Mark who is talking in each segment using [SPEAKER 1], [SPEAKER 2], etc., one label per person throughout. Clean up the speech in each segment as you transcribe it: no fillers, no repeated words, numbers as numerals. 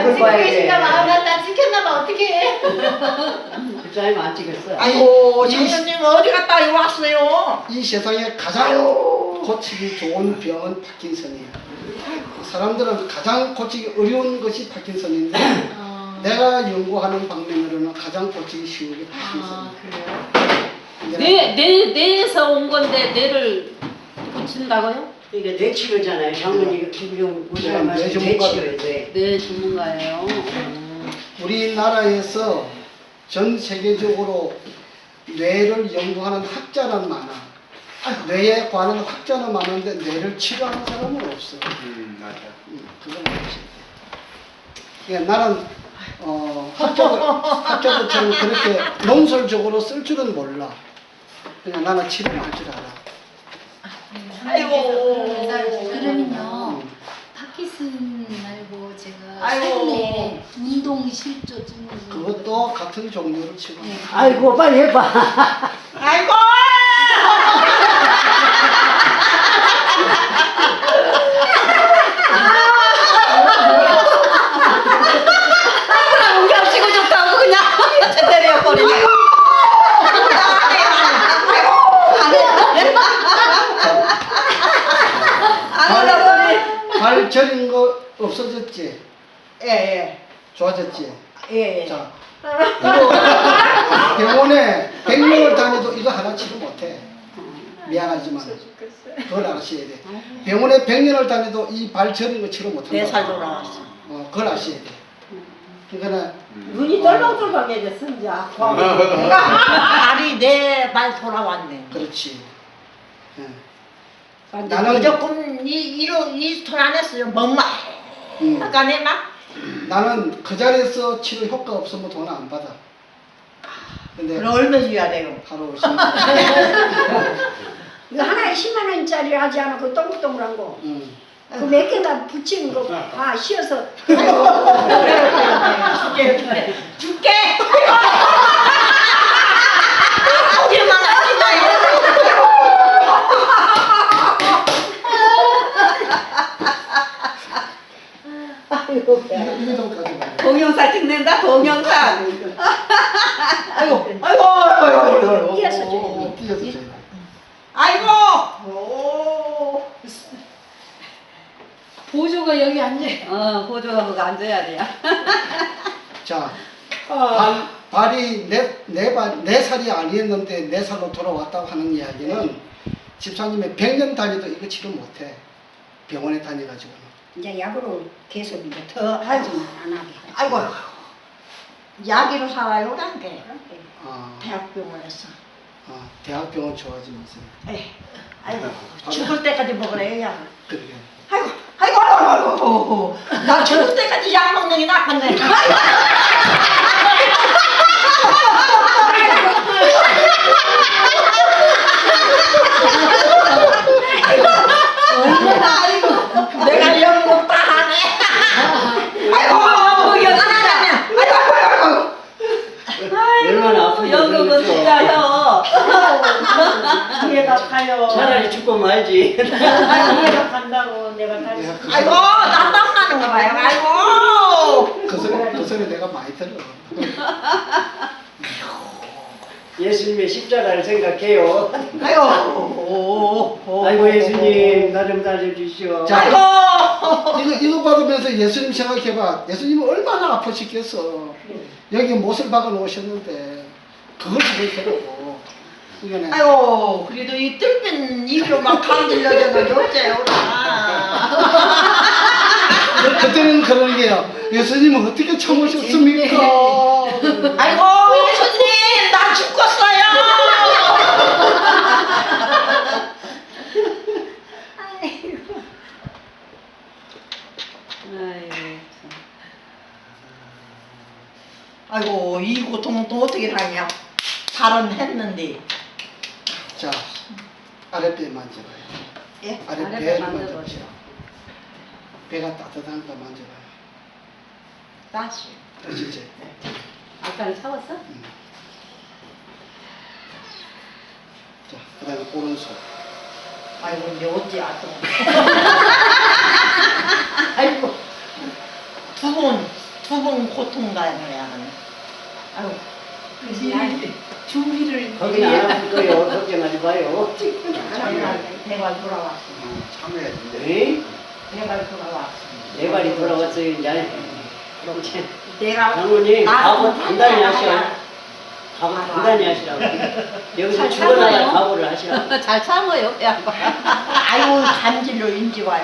[SPEAKER 1] 찍고 계신가 봐.
[SPEAKER 2] 봐.
[SPEAKER 1] 나 찍혔나 봐. 어떡해.
[SPEAKER 2] 집사님 안 찍었어요.
[SPEAKER 3] 아이고 장로님 어디 갔다 왔어요?
[SPEAKER 4] 이 세상에 가장 고치기 좋은 병은 파킨슨이에요. 사람들은 가장 고치기 어려운 것이 파킨슨인데 내가 연구하는 방면으로는 가장 고치기 쉬운 게 파킨슨이에요.
[SPEAKER 5] 뇌에서 온 건데 뇌를 고친다고요?
[SPEAKER 2] 이게 뇌치료잖아요. 장모님 김용
[SPEAKER 4] 제가
[SPEAKER 2] 무슨 말씀
[SPEAKER 4] 뇌전문가.
[SPEAKER 2] 뇌치료에 뇌.
[SPEAKER 5] 뇌 전문가예요.
[SPEAKER 4] 우리나라에서 전 세계적으로 뇌를 연구하는 학자는 많아. 뇌에 관한 학자는 많은데 뇌를 치료하는 사람은 없어.
[SPEAKER 6] 맞아.
[SPEAKER 4] 그건 없어. 그러니까 나는 학자들처럼 그렇게 논설적으로 쓸 줄은 몰라. 그냥 나는 치료를 할 줄 알아.
[SPEAKER 3] 아이고.
[SPEAKER 1] 그러면요. 파키슨 말고 제가
[SPEAKER 3] 아이고.
[SPEAKER 1] 최근에 운동 실조증을
[SPEAKER 4] 그것도 같은 종류를 치료.
[SPEAKER 1] 네.
[SPEAKER 2] 아이고 빨리 해봐.
[SPEAKER 3] 아이고.
[SPEAKER 5] 우리가 치고 좋다고 그냥
[SPEAKER 3] 때려 버리네. 안 올라버리.
[SPEAKER 4] 발 저린 거 없어졌지?
[SPEAKER 3] 예예.
[SPEAKER 4] 좋아졌지?
[SPEAKER 3] 예.
[SPEAKER 4] 자, 이거 병원에 100명을 다녀도 이거 하나 치료 못해. 미안하지만 그걸 아셔야 돼. 병원에 100년을 다녀도 이 발 저린 거 치료 못한다.
[SPEAKER 3] 4살 돌아왔어.
[SPEAKER 4] 그걸 아셔야 돼. 그러니까
[SPEAKER 3] 눈이 떨렁떨렁해졌어 이제. 발이 내 발 돌아왔네.
[SPEAKER 4] 그렇지. 예.
[SPEAKER 3] 나는
[SPEAKER 4] 나는-
[SPEAKER 3] 무조건 이돈 안 했어요. 뭔말 아까 내 막.
[SPEAKER 4] 나는 그 자리에서 치료 효과 없으면 돈 안 받아. 근데
[SPEAKER 3] 그럼 얼마 줘야 돼요?
[SPEAKER 4] 하루 오시면
[SPEAKER 7] 이거 하나에 10만 원짜리 하지 않아 그 동글동글한 거. 그 몇 개다 붙이는 거 다 씌어서.
[SPEAKER 3] 줄게. 거기만 하지 마요.
[SPEAKER 4] 이거 좀 가져가요.
[SPEAKER 3] 동영상 찍는다 동영상. 아이고 아이고
[SPEAKER 7] 띄어서 줘요.
[SPEAKER 4] 띄어서 줘요.
[SPEAKER 3] 아이고. 오.
[SPEAKER 1] 보조가 여기 앉아.
[SPEAKER 5] 보조가 그거 앉아야 돼요.
[SPEAKER 4] 자, 발이 네 살이 아니었는데 4살로 돌아왔다고 하는 이야기는 집사님이 100년 다녀도 이거 치료 못해. 병원에 다녀가지고는.
[SPEAKER 7] 이제 약으로 계속 이제 더 하지만 안 하게.
[SPEAKER 3] 아이고. 야기로 살아요 그게.
[SPEAKER 4] 아,
[SPEAKER 3] 대학병원에서.
[SPEAKER 4] 대학병원 좋아하지 마세요.
[SPEAKER 3] 에이, 아이고 죽을 때까지 먹으래요 약.
[SPEAKER 4] 그러게.
[SPEAKER 3] 아이고 아이고 아이고 나 죽을 때까지 약 먹는 게 낫겠네. 아이고 내가 연구 다 하네. 아이고 연하냐. 아이고
[SPEAKER 2] 얼마나 아픈지
[SPEAKER 5] 연극은
[SPEAKER 2] 모르겠어.
[SPEAKER 5] 진짜요.
[SPEAKER 3] 이해가 가요.
[SPEAKER 2] 차라리 죽고 말지.
[SPEAKER 3] 이해가 간다고 내가 다.
[SPEAKER 4] 내가 그
[SPEAKER 3] 아이고
[SPEAKER 4] 소리-
[SPEAKER 3] 난땀나는 거 봐요. 아이고.
[SPEAKER 4] 그 소리 내가 많이 들어.
[SPEAKER 2] 예수님의 십자가를 생각해요.
[SPEAKER 3] 아이고.
[SPEAKER 2] 아이고 예수님 나 좀 살려주시오.
[SPEAKER 4] 자,
[SPEAKER 3] 아이고.
[SPEAKER 4] 이거 받으면서 예수님 생각해봐. 예수님은 얼마나 아프시겠어. 여기 못을 박아 놓으셨는데 그걸 생각해보고. 이거는
[SPEAKER 3] 아이고 그래도 이 뜰빈 입으로 막 간질러져도 어째요.
[SPEAKER 4] 그때는 그런 게요. 예수님은 어떻게 참으셨습니까?
[SPEAKER 3] 아이고 예수님 나 죽었어요. 아이고 이 고통은 또 어떻게 당해요? 발은 했는데.
[SPEAKER 4] 자, 아랫배 만져봐요.
[SPEAKER 3] 예?
[SPEAKER 4] 아랫배를 만져보세요. 배가 따뜻한 거 만져봐요.
[SPEAKER 3] 다시.
[SPEAKER 4] 아시죠?
[SPEAKER 5] 아까는 참았어?
[SPEAKER 4] 자, 그 다음에 오른손.
[SPEAKER 3] 아이고 이제 어찌 아또. 아이고 두 두 번 고통당해야 하는. 아유,
[SPEAKER 1] 준비를
[SPEAKER 2] 거기는 안 아플 거예요. 걱정하지 마요.
[SPEAKER 3] 내가 돌아왔어.
[SPEAKER 2] 네?
[SPEAKER 3] 내가 돌아왔어.
[SPEAKER 2] 내 발이 돌아왔어요 이제.
[SPEAKER 3] 내가
[SPEAKER 2] 장모님 각오 단단히 하셔. 각오 단단히 하시라고. 여기서
[SPEAKER 5] 잘
[SPEAKER 2] 죽어나야
[SPEAKER 5] 참아요.
[SPEAKER 2] 각오를 하시라고.
[SPEAKER 5] 잘 참아요, 그 양반.
[SPEAKER 3] 아유 간질로 인지 와요.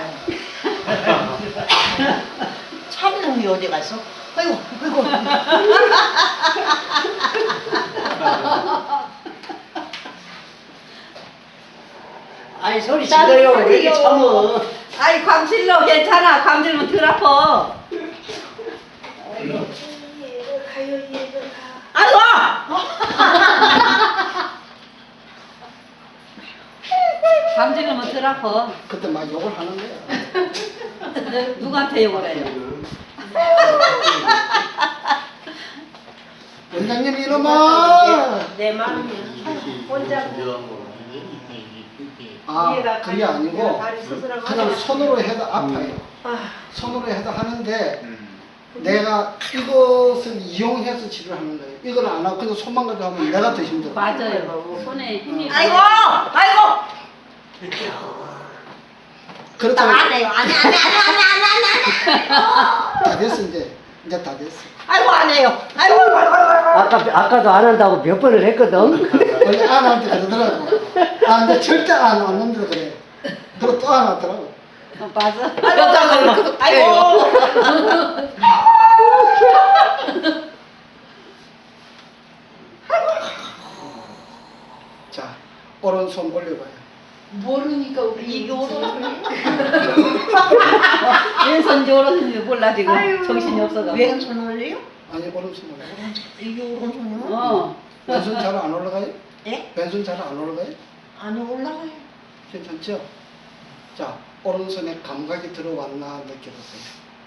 [SPEAKER 3] 참는 게 어디 갔어? 아이고 아이고.
[SPEAKER 2] 아니 소리 질러요. 왜 이렇게 참어?
[SPEAKER 5] 아이, 광질러 괜찮아. 광질면 덜 아파.
[SPEAKER 3] 아이고.
[SPEAKER 5] 광질면 덜 아파.
[SPEAKER 4] 그때 막 욕을 하는 거야.
[SPEAKER 5] 누구한테 욕을 해요?
[SPEAKER 4] 원장님 이놈아!
[SPEAKER 3] 내 마음이야. 혼자
[SPEAKER 4] 아 그게 아니고 그냥 손으로 해도 아파요. 손으로 해도 하는데 내가 이것을 이용해서 치료를 하는 거예요. 이걸 안 하고 그냥 손만 가지고 하면 내가 더 힘들어.
[SPEAKER 5] 맞아요. 손에 힘이.
[SPEAKER 3] 아이고 아이고.
[SPEAKER 4] 그렇다고
[SPEAKER 3] 안 해요. 안 해.
[SPEAKER 4] 다 됐어 이제 다 됐어.
[SPEAKER 3] 아이고 안 해요. 아이고 아이고.
[SPEAKER 2] 아까도 안 한다고 몇 번을 했거든.
[SPEAKER 4] 원래 안 할 때 그러더라고. 아 근데 절대 안 왔는데 그래. 그리고 또 안 하더라고.
[SPEAKER 5] 맞아.
[SPEAKER 3] 아이고.
[SPEAKER 4] 자 오른손 올려봐요.
[SPEAKER 1] 모르니까 우리
[SPEAKER 3] 이게 오른손이
[SPEAKER 5] 왼손인지 오른손인지 몰라 지금. 정신이 없어가.
[SPEAKER 3] 왼손 올려요?
[SPEAKER 4] 아니 오른손 올려.
[SPEAKER 3] 이게 오른손이요?
[SPEAKER 5] 어.
[SPEAKER 4] 왼손 잘 안 올라가요?
[SPEAKER 3] 예?
[SPEAKER 4] 왼손 잘 안 올라가요?
[SPEAKER 3] 아니 올라가요.
[SPEAKER 4] 괜찮죠? 자 오른손에 감각이 들어왔나 느껴보세요.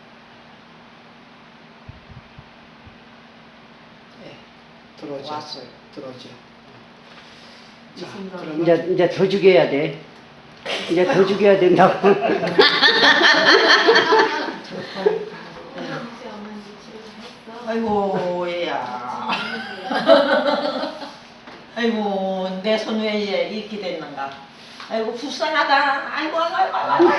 [SPEAKER 3] 네.
[SPEAKER 4] 들어오죠?
[SPEAKER 3] 왔어요.
[SPEAKER 4] 들어오죠? 자
[SPEAKER 3] 무슨
[SPEAKER 4] 그러면
[SPEAKER 2] 이제 더 죽여야 돼. 이제 더 죽여야 된다고.
[SPEAKER 3] 아이고 얘야. 아이고 내 손 왜 이렇게 됐는가. 아이고 불쌍하다. 아이고 아이고 아이고.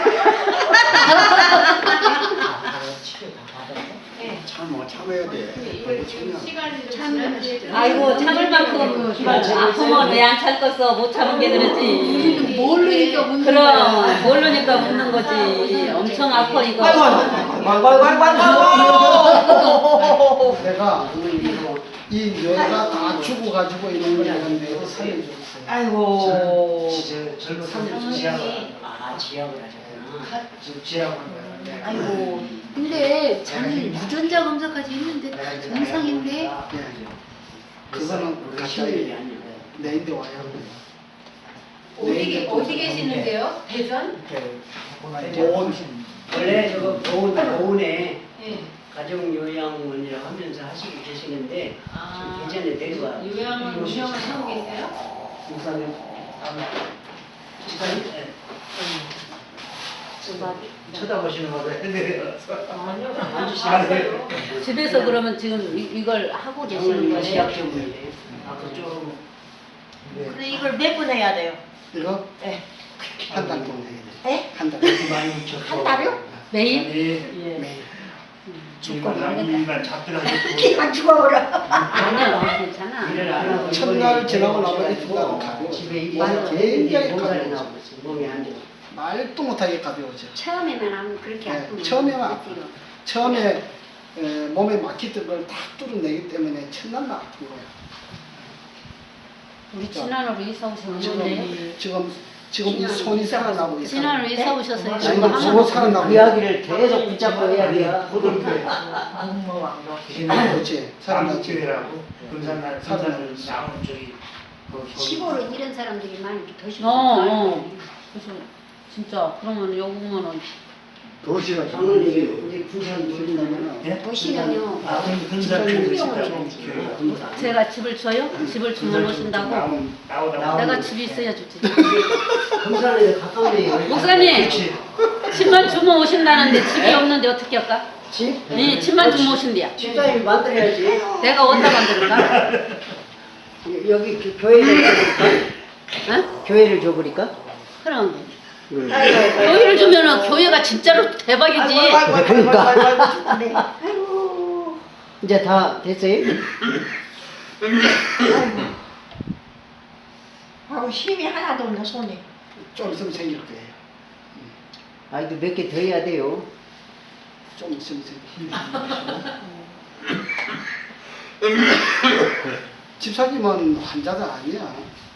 [SPEAKER 4] 참아야 돼.
[SPEAKER 5] 아이고 참을 만큼 아프면 왜 안 참겠어? 못 참은 게 그러지.
[SPEAKER 1] 모르니까 묻는
[SPEAKER 5] 그럼
[SPEAKER 1] 거야.
[SPEAKER 5] 모르니까 묻는 거지. 엄청 아파 이거.
[SPEAKER 3] 아이고 아이고 아이고 아이고.
[SPEAKER 4] 내가 이 뇌가 다 죽어가지고 이런 걸 내가 뇌를 살려줬어요.
[SPEAKER 3] 아이고.
[SPEAKER 2] 지압을 하셨구나.
[SPEAKER 3] 아이고.
[SPEAKER 1] 근데 저는 유전자 검사까지 했는데 다 정상인데
[SPEAKER 4] 네. 그거는 가까이 내인데 와요.
[SPEAKER 1] 어디 계시는데요? 대전?
[SPEAKER 4] 보온.
[SPEAKER 2] 원래 저거 보훈에
[SPEAKER 1] 예.
[SPEAKER 2] 가정요양원이라고 하면서 하시고 계시는데
[SPEAKER 1] 아.
[SPEAKER 2] 예전에 내려와.
[SPEAKER 1] 요양원 운영을 하고 계세요?
[SPEAKER 2] 목사님 쳐다보시는 거로 해드려서 앉으시면
[SPEAKER 5] 집에서 그러면 지금 이걸 하고 계시는 거예요?
[SPEAKER 2] 시작 전문이에요. 앞으로 좀
[SPEAKER 3] 근데 이걸 몇 번 해야 돼요?
[SPEAKER 4] 이거
[SPEAKER 3] 예.
[SPEAKER 4] 한 달 동안 해야 돼.
[SPEAKER 3] 예?
[SPEAKER 4] 한 달.
[SPEAKER 3] 한 달이요?
[SPEAKER 5] 매일?
[SPEAKER 4] 매일.
[SPEAKER 6] 일만 잡더라도
[SPEAKER 3] 기만 죽어버려.
[SPEAKER 5] 아니요, 괜찮아.
[SPEAKER 2] 일을 안 하고
[SPEAKER 4] 첫날
[SPEAKER 2] 이번에
[SPEAKER 4] 지나고 나면
[SPEAKER 2] 이번에
[SPEAKER 4] 이틀간 가벼워.
[SPEAKER 2] 집에 일이
[SPEAKER 4] 맞아. 굉장히
[SPEAKER 2] 몸살이
[SPEAKER 4] 가벼워.
[SPEAKER 2] 나고 있어요. 몸이 안 좋아.
[SPEAKER 4] 말도 못하게 가벼워져.
[SPEAKER 7] 처음에만 하면 그렇게
[SPEAKER 4] 네,
[SPEAKER 7] 아프면
[SPEAKER 4] 처음에만 아파요. 처음에 몸에 막히던 걸 다 뚫어내기 때문에 첫날만 아픈 거야.
[SPEAKER 5] 우리 진안으로 이사 오셨는데
[SPEAKER 4] 지금 이 손이 살아나고 있어.
[SPEAKER 5] 진안으로 이사 오셨어요.
[SPEAKER 4] 지금
[SPEAKER 5] 이거
[SPEAKER 4] 그거
[SPEAKER 5] 하면
[SPEAKER 4] 살아나고
[SPEAKER 2] 그 이야기를 계속 붙잡고 해야 돼요.
[SPEAKER 4] 그렇지. 살아나지.
[SPEAKER 6] 남교회라고 금산날 금산을 나오는 쪽이
[SPEAKER 7] 시골은 이런 사람들이 많이 더 싫어.
[SPEAKER 5] 그래서 진짜 그러면 요거는
[SPEAKER 6] 도시가
[SPEAKER 2] 장로님이 우리 군산 모신다면
[SPEAKER 7] 도시는요.
[SPEAKER 6] 금산 쪽에 있다고 교회가
[SPEAKER 5] 제가 집을 줘요? 집을 주문 오신다고?
[SPEAKER 6] 나오다가
[SPEAKER 5] 내가 집이 있어야 좋지.
[SPEAKER 2] 금산에서 가까운데
[SPEAKER 5] 목사님! 집만 주문 오신다는데 집이 없는데 어떻게 할까?
[SPEAKER 2] 집?
[SPEAKER 5] 네, 집만 좀 모신대요.
[SPEAKER 2] 집사님이 만들어야지.
[SPEAKER 5] 내가 어디다 만들까?
[SPEAKER 2] 여기 교회를 줘버릴까?
[SPEAKER 5] 응?
[SPEAKER 2] 교회를 줘버릴까?
[SPEAKER 5] 그럼 교회를 주면은 교회가 진짜로 대박이지.
[SPEAKER 2] 그러니까.
[SPEAKER 7] 네. 아이고.
[SPEAKER 2] 이제 다 됐어요?
[SPEAKER 3] 아우 힘이 하나도 없네 손이.
[SPEAKER 4] 좀 있으면 생길 거예요.
[SPEAKER 2] 아이도 몇 개 더 해야 돼요.
[SPEAKER 4] 좀 있으면 생길 거예요. 집사님은 환자가 아니야.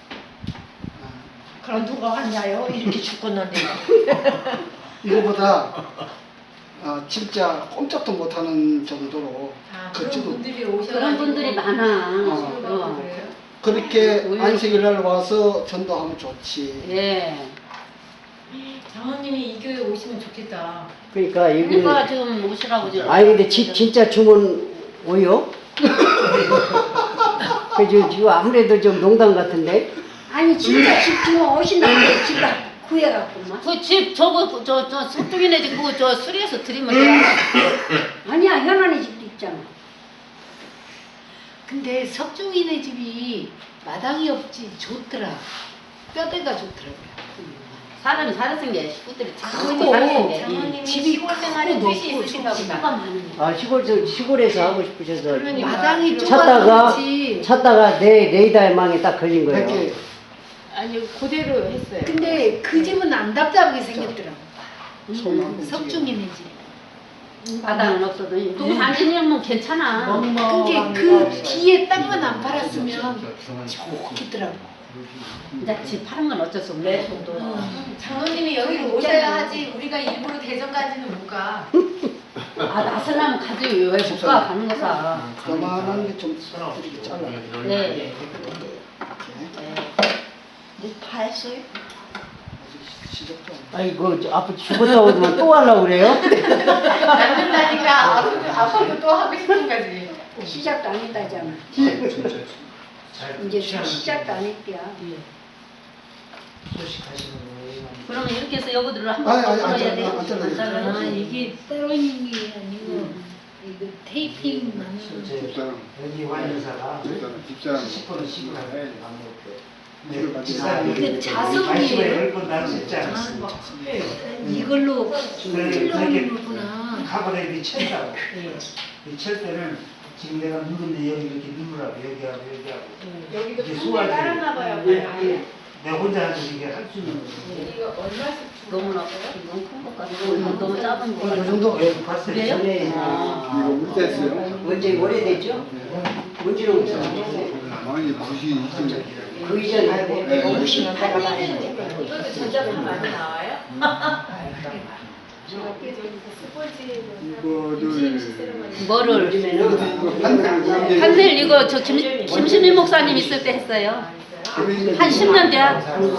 [SPEAKER 3] 그럼 누가 왔냐요? 이렇게 죽겠는데.
[SPEAKER 4] 이거보다 진짜 꼼짝도 못하는 정도로 걷지도
[SPEAKER 5] 그런 분들이 많아.
[SPEAKER 4] 그렇게 안식일날 와서 전도하면 좋지.
[SPEAKER 5] 예.
[SPEAKER 1] 장모님이 이 교회 오시면 좋겠다.
[SPEAKER 2] 그러니까 여기는
[SPEAKER 5] 그러니까 지금 오시라고 지금.
[SPEAKER 2] 아니 근데 진짜 주문 오요? 그죠? 지금 아무래도 좀 농담 같은데?
[SPEAKER 7] 아니 진짜 집 주면 오신다는데 집을 구해갖고만.
[SPEAKER 5] 그 집 저거 저 서쪽이네 집 그거 저 수리해서 드리면 돼.
[SPEAKER 7] 아니야 현안의 집도 있잖아.
[SPEAKER 1] 근데 석중이네 집이 마당이 없지 좋더라. 뼈대가 좋더라고요.
[SPEAKER 5] 사람이 살았은 게 식구들이 참
[SPEAKER 1] 그리고
[SPEAKER 5] 살았은 게.
[SPEAKER 1] 장모님이 시골 생활에 뜻이 있으신가 보다.
[SPEAKER 2] 아 시골에서 하고 싶으셔서
[SPEAKER 1] 그러니 마당이
[SPEAKER 2] 찾다가
[SPEAKER 1] 좁아서지.
[SPEAKER 2] 찾다가 내이달 망에 딱 걸린 거예요.
[SPEAKER 4] 이렇게
[SPEAKER 1] 아니 그대로 했어요.
[SPEAKER 7] 근데
[SPEAKER 1] 그 집은 안 답답하게 생겼더라고.
[SPEAKER 4] 손
[SPEAKER 1] 석중이네 집.
[SPEAKER 5] 바다는 없어도 또 단지니면 괜찮아.
[SPEAKER 1] 근데 그 뒤에 땅만 안 팔았으면 좋겠더라고.
[SPEAKER 5] 이제 집 파는 건 어쩔 수 없네.
[SPEAKER 1] 장모님이 여기로 오셔야 하지. 우리가 일부러 대전까지는 못 가.
[SPEAKER 5] 아 나서려면 가지 왜 못 가 가는 거사.
[SPEAKER 4] 요만한 게좀 이렇게 잘라.
[SPEAKER 5] 네.
[SPEAKER 3] 다 했어요?
[SPEAKER 4] 시작도 안
[SPEAKER 2] 아이고 아빠 죽었다고 하더만 또 하려고 그래요?
[SPEAKER 1] 낳는다니까 아빠도 또 하고 싶은 거지.
[SPEAKER 7] 시작도 안 했다잖아. 이제 시작도 안 했대야.
[SPEAKER 6] 소식하시는 거예요.
[SPEAKER 5] 그러면 이렇게 해서 여기들을 한번
[SPEAKER 4] 아니,
[SPEAKER 5] 썰어야 돼.
[SPEAKER 4] 안 잘라요.
[SPEAKER 5] 안 잘라요?
[SPEAKER 1] 아 이게 때로는 게 아니고 이거 테이핑만.
[SPEAKER 6] 여기 와 있는 사람
[SPEAKER 8] 집사람
[SPEAKER 6] 70%는 시골에
[SPEAKER 1] 그 자석이에요?
[SPEAKER 6] 10번 나는 했지 않았어.
[SPEAKER 1] 이걸로
[SPEAKER 6] 그렇게
[SPEAKER 1] 찔러오는 거구나.
[SPEAKER 6] 카바레이 쳤다고. 이 칠 때는 지금 내가 누군데 여기 이렇게 누르라고 여기하고 여기하고
[SPEAKER 1] 여기도
[SPEAKER 6] 이게
[SPEAKER 1] 판넬
[SPEAKER 6] 수화기.
[SPEAKER 1] 깔았나 봐요.
[SPEAKER 6] 내가 혼자 하서 이게 할 수 있는 거지.
[SPEAKER 1] 이거 얼마씩
[SPEAKER 5] 너무 큰 것 같고 이건 너무 작은 거
[SPEAKER 4] 이
[SPEAKER 5] 같아.
[SPEAKER 4] 정도
[SPEAKER 6] 봤어요.
[SPEAKER 5] 그래요?
[SPEAKER 2] 전에
[SPEAKER 8] 이거 어땠어요?
[SPEAKER 2] 언제 오래됐죠? 언제로 오셨어요?
[SPEAKER 8] 많이 보시긴 했습니다.
[SPEAKER 2] 그 이전에
[SPEAKER 8] 네,
[SPEAKER 1] 이것도 전자파 많이 나와요?
[SPEAKER 8] 이거를
[SPEAKER 5] 뭐를?
[SPEAKER 2] 요즘에는
[SPEAKER 5] 판넬 이거 저 김수미 목사님 있을 때 했어요. 한 10년 돼야.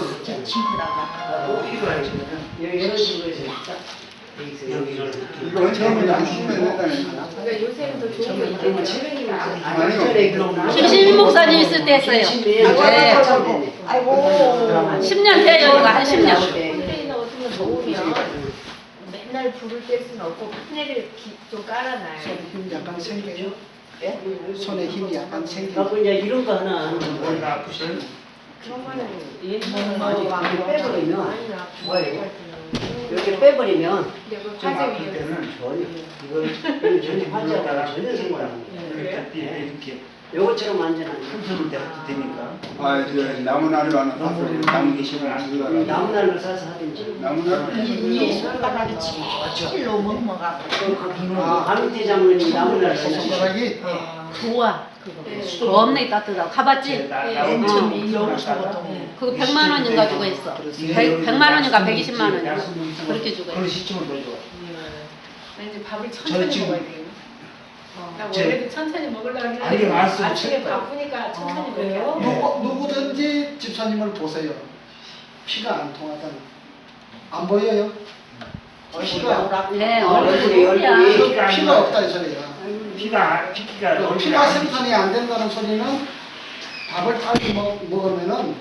[SPEAKER 2] 이런 식으로 해서
[SPEAKER 6] 여기를
[SPEAKER 8] 이거 처음에 보시면 된다니까.
[SPEAKER 1] 그러니까 요새는 더 좋은 거 있잖아요.
[SPEAKER 2] 아니요.
[SPEAKER 5] 김수미 목사님 있을 때 했어요. 네.
[SPEAKER 3] 아이고.
[SPEAKER 5] 10년 돼요 여기가 한 10년.
[SPEAKER 1] 콘테이너 같은 거 더우면 맨날 불을 뗄 수는 없고 판넬을 좀 깔아놔요.
[SPEAKER 4] 힘 약간 생겨요. 손에 힘이 약간 생겨요.
[SPEAKER 2] 하고 이제 이런 거 하나
[SPEAKER 6] 머리가 아프시는
[SPEAKER 1] 그러면은
[SPEAKER 2] 이렇게 빼버리면
[SPEAKER 1] 많이 나.
[SPEAKER 2] 좋아요. 이렇게 빼버리면
[SPEAKER 1] 근데 그
[SPEAKER 6] 좀
[SPEAKER 1] 화재
[SPEAKER 6] 아플
[SPEAKER 1] 위험.
[SPEAKER 6] 때는
[SPEAKER 2] 전혀
[SPEAKER 6] 이걸
[SPEAKER 2] 전혀 환자가 전혀 생각 안 해요.
[SPEAKER 6] 이렇게
[SPEAKER 2] 요것처럼 안전한
[SPEAKER 6] 흔들을 때 되니까.
[SPEAKER 8] 아, 이제 나무나루 하나 사서 나무 계시면 주다가
[SPEAKER 2] 나무날로 싸서 하든지
[SPEAKER 8] 나무나루
[SPEAKER 3] 이 손가락이 제일 넘어가고.
[SPEAKER 2] 밤밑에 장모님 나무날로 싸서
[SPEAKER 4] 손가락이
[SPEAKER 5] 좋아 그거. 겁나 따뜻하고 가봤지?
[SPEAKER 3] 엄청 여기서부터.
[SPEAKER 5] 그거 100만 원인가 주고 했어. 100만 원인가 120만 원인가 그렇게 주고
[SPEAKER 6] 그런
[SPEAKER 5] 했어.
[SPEAKER 6] 시점을 더 좋아.
[SPEAKER 1] 나 이제 밥을 천천히
[SPEAKER 6] 지금-
[SPEAKER 1] 먹어야 돼요. 나
[SPEAKER 6] 저-
[SPEAKER 1] 원래도 천천히 먹으려고
[SPEAKER 6] 아니,
[SPEAKER 1] 했는데
[SPEAKER 6] 말씀
[SPEAKER 1] 아침에
[SPEAKER 6] 쳤다.
[SPEAKER 1] 바쁘니까 천천히
[SPEAKER 3] 그래요?
[SPEAKER 1] 먹어요.
[SPEAKER 4] 누구든지 집사님을 보세요. 피가 안 통하잖아. 안 보여요? 피가
[SPEAKER 5] 네
[SPEAKER 2] 얼굴이
[SPEAKER 5] 얼굴이
[SPEAKER 2] 얼굴이
[SPEAKER 4] 피가 없다 이 소리야.
[SPEAKER 6] 피가
[SPEAKER 4] 피가 생산이 안 된다는 소리는 밥을 빨리 먹으면은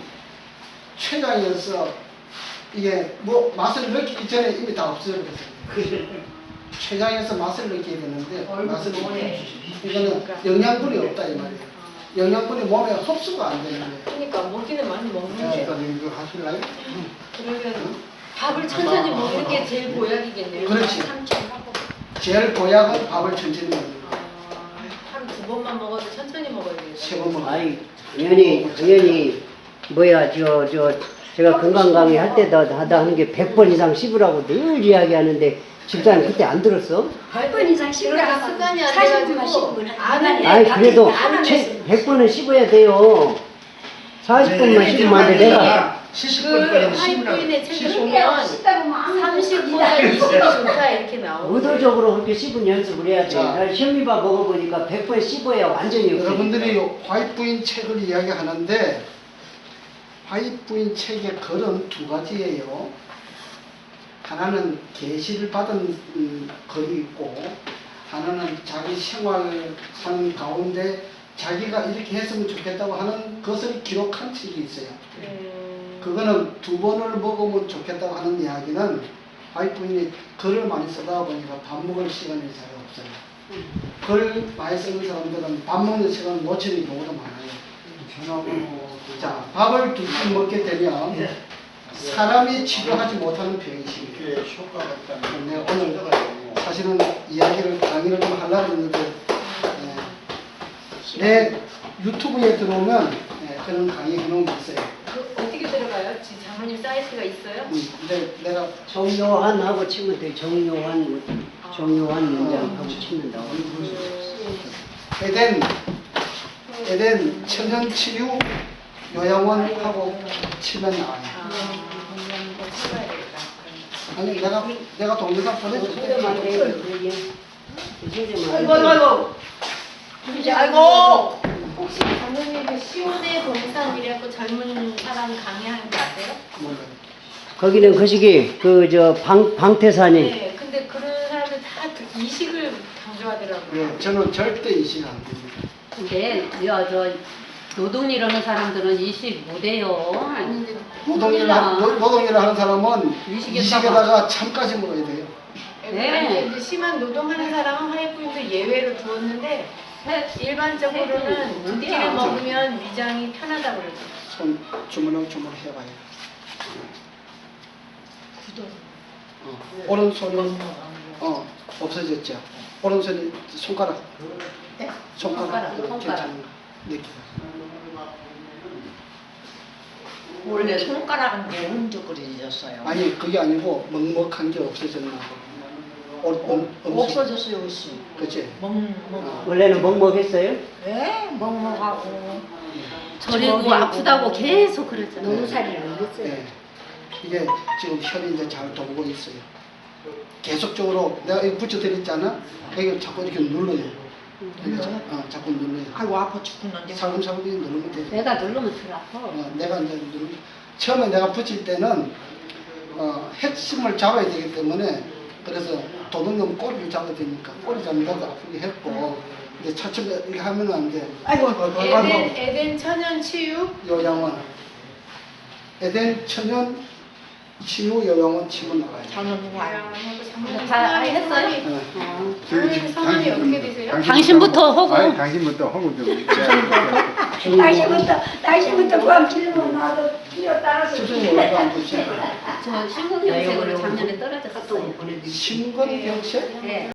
[SPEAKER 4] 췌장에서 이게 뭐 맛을 느끼기 전에 이미 다 없어져 버렸어요. 췌장에서 맛을 느끼게 되는데 맛을
[SPEAKER 1] 노래.
[SPEAKER 4] 이거는 영양분이 없다 이 말이에요. 영양분이 몸에 흡수가 안 되는 거예요.
[SPEAKER 1] 그러니까 먹기는 많이 먹는데
[SPEAKER 4] 이거 하실래요?
[SPEAKER 1] 그러면 밥을 천천히 먹는 게 제일 보약이겠네요.
[SPEAKER 4] 그렇지.
[SPEAKER 1] 삼천하고
[SPEAKER 4] 제일 보약은 밥을 천천히 먹는 거.
[SPEAKER 1] 하루 2번만 먹어도 천천히 먹어야 돼요.
[SPEAKER 4] 3번 먹어.
[SPEAKER 2] 아이 당연히 뭐야 제가 건강 강의 할 때도 하다 하는 게 100번 이상 씹으라고 늘 이야기하는데 집사님 그때 안 들었어?
[SPEAKER 7] 8번 이상 씹으라
[SPEAKER 1] 그렇게 습관이 안
[SPEAKER 7] 40분만
[SPEAKER 1] 돼가지고
[SPEAKER 7] 씹으면
[SPEAKER 1] 안 해.
[SPEAKER 2] 아이 그래도 100번은 씹어야 돼요. 40분만 씹으면 안 돼. 내가
[SPEAKER 1] 그
[SPEAKER 6] 70번까지는
[SPEAKER 1] 하이브인의 책을
[SPEAKER 6] 씹으라고.
[SPEAKER 1] 보면
[SPEAKER 7] 씹다 보면 아무
[SPEAKER 1] 30보다 20이 좋다 이렇게 나오고
[SPEAKER 2] 의도적으로 그렇게 씹은 연습을 해야 돼.
[SPEAKER 4] 자.
[SPEAKER 2] 나 현미밥 먹어보니까 100번 씹어야 완전히 없어져.
[SPEAKER 4] 여러분들이 화이트부인 책을 이야기하는데 화이트부인 책의 글은 두 가지예요. 하나는 계시를 받은 글이 있고 하나는 자기 생활하는 가운데 자기가 이렇게 했으면 좋겠다고 하는 것을 기록한 책이 있어요. 그거는 2번을 먹으면 좋겠다고 하는 이야기는 화이트부인이 글을 많이 쓰다 보니까 밥 먹을 시간이 잘 없어요. 글 많이 쓰는 사람들은 밥 먹는 시간을 놓치는 경우도 많아요. 자, 밥을 2끼 먹게 되면 사람이 치료하지 못하는 병이 생겨요. 근데 오늘 사실은 이야기를 강의를 좀 하려고 했는데 내 유튜브에 들어오면 그런 강의 해놓은 게 있어요.
[SPEAKER 1] 그 어떻게 들어가요? 지금 장모님 사이트가 있어요?
[SPEAKER 4] 근데 내가
[SPEAKER 2] 정요한하고 치면 돼. 정요한 문장하고 치는다고.
[SPEAKER 4] 에덴 천연치유 요양원하고 치면 나와요.
[SPEAKER 1] 이거 찾아야 되겠다.
[SPEAKER 4] 아니 내가 동영상 보내줄게.
[SPEAKER 3] 아이고.
[SPEAKER 1] 혹시 장모님 그 시온의 동산이라고 젊은 사람 강의하는 거 아세요?
[SPEAKER 2] 거기는 그 시기 방태산이
[SPEAKER 1] 네, 근데 그런 사람들 다 그 이식을 강조하더라고요.
[SPEAKER 4] 네, 저는 절대 이식 안 됩니다.
[SPEAKER 5] 근데 저 노동일 하는 사람들은 이식 못해요.
[SPEAKER 1] 아니
[SPEAKER 4] 노동일 하는 사람은
[SPEAKER 5] 이식에다가.
[SPEAKER 4] 이식에다가 참까지 먹어야 돼요.
[SPEAKER 5] 네.
[SPEAKER 1] 이제 심한 노동하는 사람은 화이트부인도 예외로 두었는데 일반적으로는 두 끼를 먹으면 위장이 편하다고 그러죠.
[SPEAKER 4] 손 주물주물 해봐요. 오른손이 없어졌죠. 오른손이 손가락
[SPEAKER 5] 손가락.
[SPEAKER 4] 괜찮은가? 네.
[SPEAKER 3] 원래 손가락은 게 흔적거려졌어요.
[SPEAKER 4] 아니 그게 아니고 먹먹한 게 없어졌나 봐.
[SPEAKER 3] 없어졌어요, 옷이.
[SPEAKER 4] 그치?
[SPEAKER 2] 원래는 먹먹했어요?
[SPEAKER 3] 네, 먹먹하고.
[SPEAKER 5] 저리고 아프다고 계속 그랬잖아요.
[SPEAKER 7] 너무 살이 안 됐어요.
[SPEAKER 4] 네. 이게 지금 혈이 이제 잘 돌고 있어요. 계속적으로 내가 이거 붙여드렸잖아. 이거 자꾸 이렇게 눌러요. 자꾸 눌러요.
[SPEAKER 3] 아이고 아파 죽겠는데.
[SPEAKER 4] 살금살금 누르면 돼요.
[SPEAKER 5] 내가 누르면 덜 아파.
[SPEAKER 4] 내가 이제 누르면 처음에 내가 붙일 때는 핵심을 잡아야 되기 때문에 그래서 도둑놈 꼬리를 잡아야 되니까 꼬리 잡는다고 아프게 했고 이제 차츰 이렇게 하면 안 돼.
[SPEAKER 3] 아이고
[SPEAKER 1] 에덴 천연 치유
[SPEAKER 4] 요양원 에덴 천연 치유 요양원 치면 나와요.
[SPEAKER 3] 저는 누구 안
[SPEAKER 1] 하고 장모님
[SPEAKER 5] 다 했어요?
[SPEAKER 1] 장모님 성함이 어떻게 되세요?
[SPEAKER 5] 당신부터 하고.
[SPEAKER 8] 아니 당신부터 하고 좀.
[SPEAKER 7] 날씨부터 구함 길면 나도 뛰어 따라서
[SPEAKER 4] 수준이 얼마 안 되지?
[SPEAKER 5] 저 신궁경색으로 작년에 떨어졌었어요.
[SPEAKER 4] 신건병세?
[SPEAKER 5] 네.